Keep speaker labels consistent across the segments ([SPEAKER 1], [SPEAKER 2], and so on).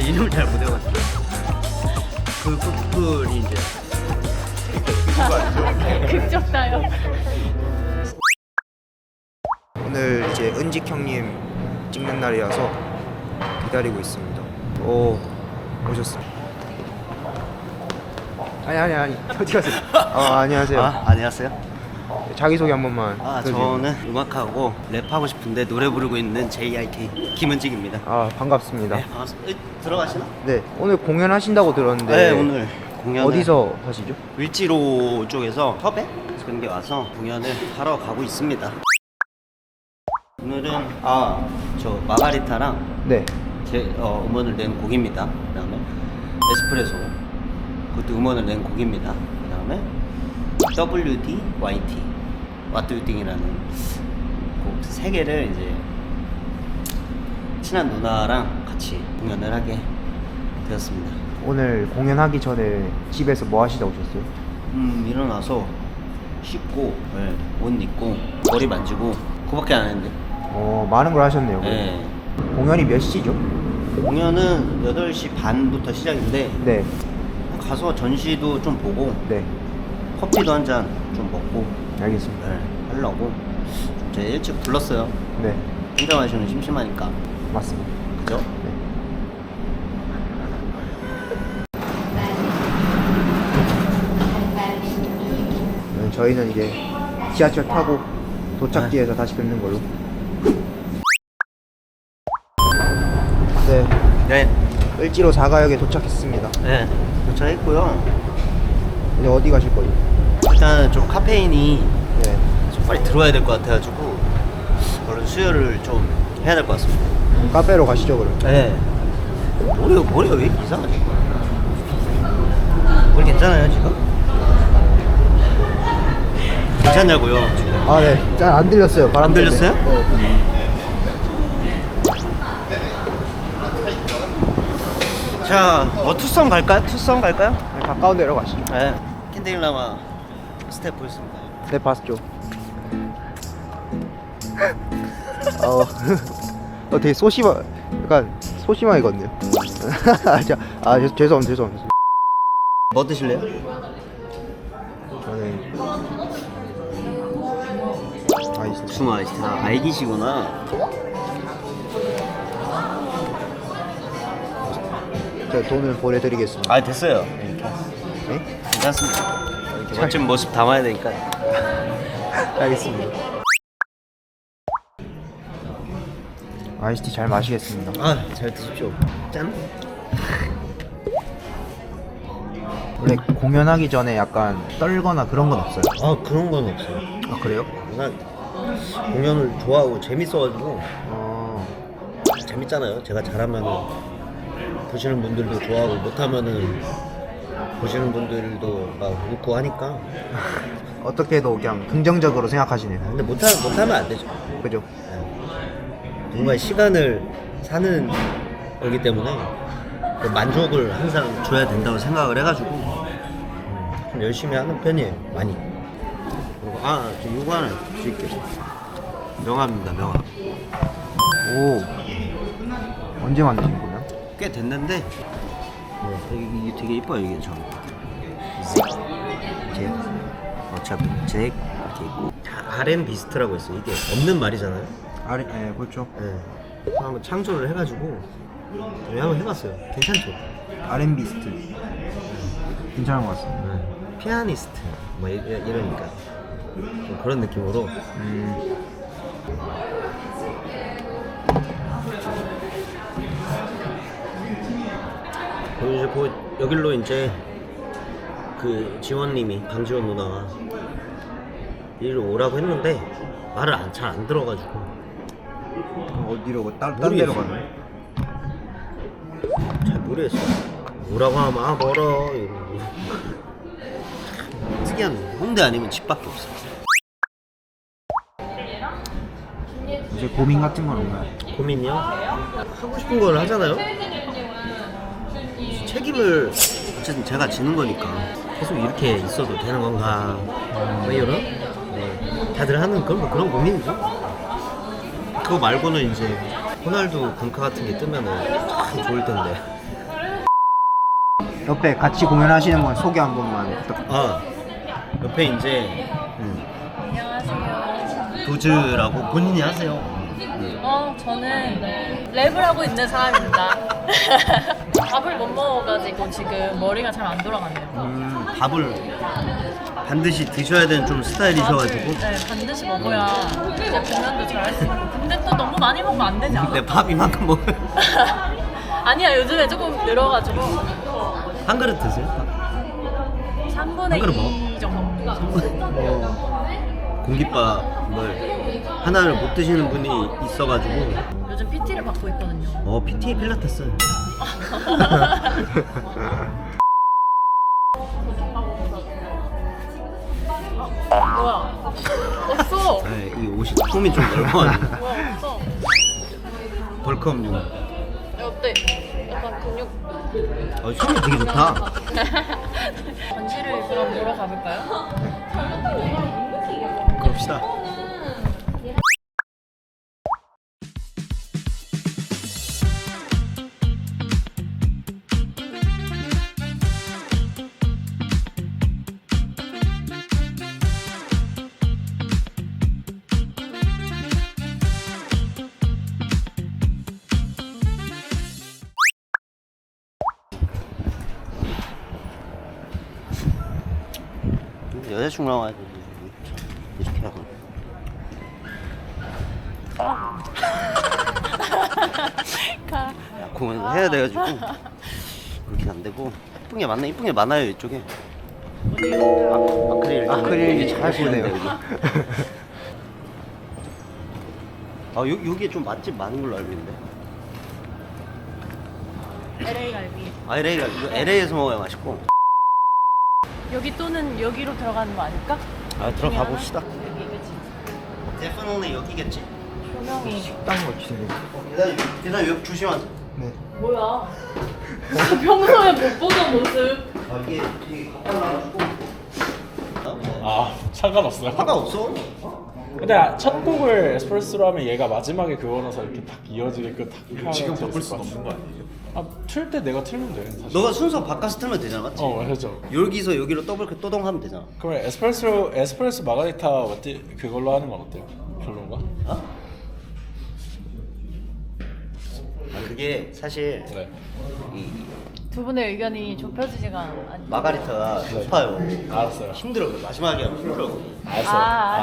[SPEAKER 1] 이름을 잘 못 외워가지고. 그 푸풀이 이제
[SPEAKER 2] 극적다요.
[SPEAKER 3] 오늘 이제 은직 형님 찍는 날이라서 기다리고 있습니다. 오, 오셨습니다. 아니 어디 가세요? 안녕하세요.
[SPEAKER 1] 안녕하세요.
[SPEAKER 3] 자기소개 한 번만.
[SPEAKER 1] 저는 음악하고 랩하고 싶은데 노래 부르고 있는 JIK 김은직입니다.
[SPEAKER 3] 반갑습니다.
[SPEAKER 1] 네, 반갑습니다. 들어가시나?
[SPEAKER 3] 네, 오늘 공연하신다고 들었는데.
[SPEAKER 1] 네, 오늘 공연
[SPEAKER 3] 어디서 하시죠?
[SPEAKER 1] 을지로 쪽에서 섭외 그런 게 와서 공연을 하러 가고 있습니다. 오늘은 저 마가리타랑
[SPEAKER 3] 네.
[SPEAKER 1] 제 음원을 낸 곡입니다. 그다음에 에스프레소 그것도 음원을 낸 곡입니다. 그다음에 WD YT What Do You Think이라는 곡 세 개를 이제 친한 누나랑 같이 공연을 하게 되었습니다.
[SPEAKER 3] 오늘 공연하기 전에 집에서 뭐 하시다 오셨어요?
[SPEAKER 1] 일어나서 씻고 옷 입고 머리 만지고 그거밖에 안 했는데.
[SPEAKER 3] 많은 걸 하셨네요.
[SPEAKER 1] 네.
[SPEAKER 3] 공연이 몇 시죠?
[SPEAKER 1] 공연은 8시 반부터 시작인데
[SPEAKER 3] 네.
[SPEAKER 1] 가서 전시도 좀 보고
[SPEAKER 3] 네.
[SPEAKER 1] 커피도 한 잔 좀 먹고
[SPEAKER 3] 알겠습니다.
[SPEAKER 1] 하려고 제가 일찍 불렀어요.
[SPEAKER 3] 네.
[SPEAKER 1] 혼자 마시면 심심하니까.
[SPEAKER 3] 맞습니다.
[SPEAKER 1] 그죠?
[SPEAKER 3] 네. 저희는 이제 지하철 타고 도착지에서 다시 뵙는 걸로. 네.
[SPEAKER 1] 네.
[SPEAKER 3] 을지로 4가역에 도착했습니다.
[SPEAKER 1] 네. 도착했고요.
[SPEAKER 3] 이제 어디 가실 거예요?
[SPEAKER 1] 일단 좀 카페인이
[SPEAKER 3] 네.
[SPEAKER 1] 좀 빨리 들어와야 될 것 같아가지고 얼른 수혈을 좀 해야 될 것 같습니다.
[SPEAKER 3] 그럼 카페로 가시죠 그럼.
[SPEAKER 1] 네. 머리가 왜 이렇게 이상하지? 머리 괜찮아요 지금? 괜찮냐고요 지금?
[SPEAKER 3] 네. 잘 안 들렸어요. 바람
[SPEAKER 1] 안
[SPEAKER 3] 때문에.
[SPEAKER 1] 들렸어요?
[SPEAKER 3] 네.
[SPEAKER 1] 자, 투썸 갈까요? 투썸 갈까요?
[SPEAKER 3] 네, 가까운 데로 가시죠.
[SPEAKER 1] 네. 캔디라마 스텝 보였습니다.
[SPEAKER 3] 네, 봤죠. 되게 약간 소심하게 걷네요. 죄송합니다.
[SPEAKER 1] 뭐 드실래요?
[SPEAKER 3] 저는 아이스.
[SPEAKER 1] 복숭아 아이스티. 알기시구나.
[SPEAKER 3] 제가 돈을 보내드리겠습니다.
[SPEAKER 1] 됐어요.
[SPEAKER 3] 네?
[SPEAKER 1] 괜찮습니다. 이렇게 멋진 모습 담아야 되니까.
[SPEAKER 3] 알겠습니다. 아이스티 잘 마시겠습니다.
[SPEAKER 1] 잘 드십시오. 짠.
[SPEAKER 3] 원래 공연하기 전에 약간 떨거나 그런 건 없어요?
[SPEAKER 1] 그런 건 없어요.
[SPEAKER 3] 그래요?
[SPEAKER 1] 난 공연을 좋아하고 재밌어가지고 재밌잖아요. 제가 잘하면은 보시는 분들도 좋아하고 못하면은 보시는 분들도 막 웃고 하니까.
[SPEAKER 3] 어떻게도 그냥 긍정적으로 생각하시네요.
[SPEAKER 1] 근데 못하면 안 되죠.
[SPEAKER 3] 그죠?
[SPEAKER 1] 정말 시간을 사는 거기 때문에 그 만족을 항상 줘야 된다고 생각을 해가지고 좀 열심히 하는 편이에요. 많이. 그리고 저 이거 하나 드릴게요. 명함입니다. 명함.
[SPEAKER 3] 오, 언제 만드신 거예요?
[SPEAKER 1] 꽤 됐는데 이게 되게 이뻐요. 이게 저 잭 이렇게 있고 R&B 비스트라고 있어요. 이게 없는 말이잖아요.
[SPEAKER 3] 네, 그렇죠.
[SPEAKER 1] 네. 한번 창조를 해가지고 한번 해봤어요. 괜찮죠?
[SPEAKER 3] R&B 스트 괜찮은 것 같습니다.
[SPEAKER 1] 네. 피아니스트 뭐 이러니까 좀 그런 느낌으로. 그리고 이제 여길로 이제 그 지원님이 강지원 누나가 이리로 오라고 했는데 말을 잘 안 들어가지고.
[SPEAKER 3] 어디로 딴 데로 가나요?
[SPEAKER 1] 잘 모르겠어. 오라고 하면 멀어 이러고. 특이한 홍대 아니면 집 밖에 없어.
[SPEAKER 3] 이제 고민 같은 건 없나요?
[SPEAKER 1] 고민이요? 하고 싶은 걸 하잖아요. 책임을 어쨌든 제가 지는 거니까 계속 이렇게 있어도 되는 건가 뭐 이런. 네. 다들 하는 그런 고민이죠. 그거 말고는 이제 호날두 금카 같은 게 뜨면은 참 좋을 텐데.
[SPEAKER 3] 옆에 같이 공연하시는 분 소개 한 번만 부탁.
[SPEAKER 1] 아 옆에 이제
[SPEAKER 2] 안녕하세요.
[SPEAKER 1] 도즈라고 본인이 하세요.
[SPEAKER 2] 저는 랩을 하고 있는 사람입니다. 밥을 못 먹어가지고 지금 머리가 잘 안 돌아가네요.
[SPEAKER 1] 밥을 반드시 드셔야 되는 좀 스타일이셔가지고.
[SPEAKER 2] 네, 반드시 먹어야 이제 공연도 잘할 수 있고. 근데 또 너무 많이 먹으면 안 되지 않아?
[SPEAKER 1] 내 밥 이만큼 먹어요.
[SPEAKER 2] 아니야, 요즘에 조금 늘어가지고
[SPEAKER 1] 한 그릇 드세요?
[SPEAKER 2] 3분의
[SPEAKER 1] 한 그릇
[SPEAKER 2] 2 정도.
[SPEAKER 1] 공깃밥을 하나를 못 드시는 분이 있어가지고.
[SPEAKER 2] 요즘 PT를 받고 있거든요.
[SPEAKER 1] PT 필라테스.
[SPEAKER 2] 뭐야? 없어.
[SPEAKER 1] 네, 이 옷이 폼이 좀 넓어가지고.
[SPEAKER 2] 뭐야, 없어.
[SPEAKER 1] 벌크업용.
[SPEAKER 2] 야, 어때? 약간 근육.
[SPEAKER 1] 춤이 되게 좋다.
[SPEAKER 2] 전시를 그럼 보러 가볼까요?
[SPEAKER 1] 그럽시다. 여자친구랑 와야 돼. 이렇게 하고.
[SPEAKER 2] 가.
[SPEAKER 1] 공연 해야 돼가지고 그렇게 안 되고 이쁜 게 많아요 이쪽에. 아크릴 잘 하시네요 여기. 여기에 좀 맛집 많은 걸로 알고 있는데.
[SPEAKER 2] LA 갈비.
[SPEAKER 1] LA가 이거 LA에서 먹어야 맛있고.
[SPEAKER 2] 여기 또는 여기로 들어가는 거 아닐까?
[SPEAKER 1] 들어가 봅시다.
[SPEAKER 2] 여기 그치?
[SPEAKER 1] 데프는 여기겠지.
[SPEAKER 2] 조명이.
[SPEAKER 3] 딴 거 주세요.
[SPEAKER 1] 계단 여기 조심하세요.
[SPEAKER 3] 네.
[SPEAKER 2] 뭐야? 평소에 못 보던 모습.
[SPEAKER 1] 이게 되게 가까워가지고.
[SPEAKER 4] 아 상관없어요.
[SPEAKER 1] 상관없어.
[SPEAKER 4] 근데 첫 곡을 에스프레소로 하면 얘가 마지막에 그거라서 이렇게 딱 이어지게끔 딱
[SPEAKER 5] 지금
[SPEAKER 4] 하면
[SPEAKER 5] 바꿀
[SPEAKER 4] 재밌을
[SPEAKER 5] 수는
[SPEAKER 4] 것
[SPEAKER 5] 없는 거 아니에요?
[SPEAKER 4] 같아요. 틀 때 내가 틀면 돼 사실.
[SPEAKER 1] 너가 순서 바꿔서 틀면 되잖아, 맞지?
[SPEAKER 4] 그렇죠.
[SPEAKER 1] 여기서 여기로 더블 또동 하면 되잖아.
[SPEAKER 4] 그럼 에스프레소 마가리타 어때? 그걸로 하는 건 어때요? 별론가?
[SPEAKER 1] 그게 사실
[SPEAKER 4] 네.
[SPEAKER 1] 이
[SPEAKER 2] 두 분의 의견이 좁혀지지가 않.
[SPEAKER 1] 마가리타가 높아요.
[SPEAKER 4] 알았어요.
[SPEAKER 1] 힘들어. 마지막에 하면 힘들어.
[SPEAKER 4] 알았어요.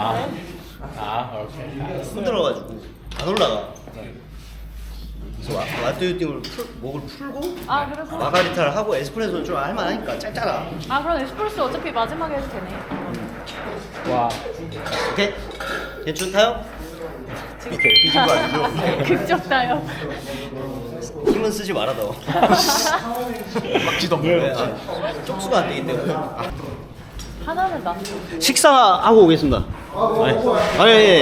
[SPEAKER 4] 오케이. 알았어요.
[SPEAKER 1] 힘들어가지고 안 올라가.
[SPEAKER 4] 네.
[SPEAKER 1] 그래서 라떼유팅을 목을 풀고
[SPEAKER 2] 그래서.
[SPEAKER 1] 마가리타를 하고 에스프레소는 좀 할만하니까 짧잖아.
[SPEAKER 2] 그럼 에스프레소 어차피 마지막에 해도 되네.
[SPEAKER 4] 와.
[SPEAKER 1] 오케이? 괜찮다요?
[SPEAKER 5] 오케이 삐진 거 아니죠?
[SPEAKER 2] 극적다요.
[SPEAKER 1] 힘은 쓰지 말아 너.
[SPEAKER 5] 막지도
[SPEAKER 1] 네,
[SPEAKER 5] 없는
[SPEAKER 1] 쪽수가 안 되기 때문에.
[SPEAKER 2] 하나는 나.
[SPEAKER 1] 식사하고 오겠습니다. 아니.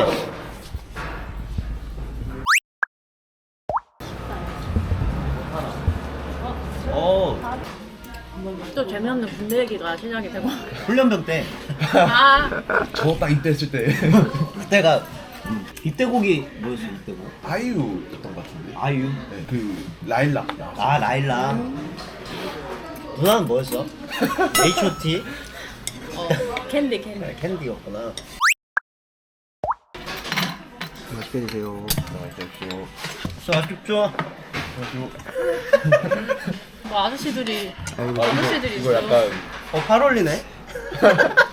[SPEAKER 2] 또 재미없는 군대 얘기가 시작이 되고.
[SPEAKER 1] 훈련병 때
[SPEAKER 5] 저딱 이때 했을 때
[SPEAKER 1] 그때가 입대곡이 뭐였어 입대곡?
[SPEAKER 5] 아이유였던 것 같은데.
[SPEAKER 1] 아이유.
[SPEAKER 5] 네, 그 라일락.
[SPEAKER 1] 라일라. 누나는 뭐였어? H.O.T.
[SPEAKER 2] 캔디.
[SPEAKER 1] 캔디였구나.
[SPEAKER 3] 맛있게 드세요.
[SPEAKER 1] 아쉽죠?
[SPEAKER 2] 뭐 아저씨들이
[SPEAKER 3] 아이고,
[SPEAKER 2] 아저씨들이
[SPEAKER 5] 이거
[SPEAKER 2] 있어.
[SPEAKER 5] 약간
[SPEAKER 1] 8월이네.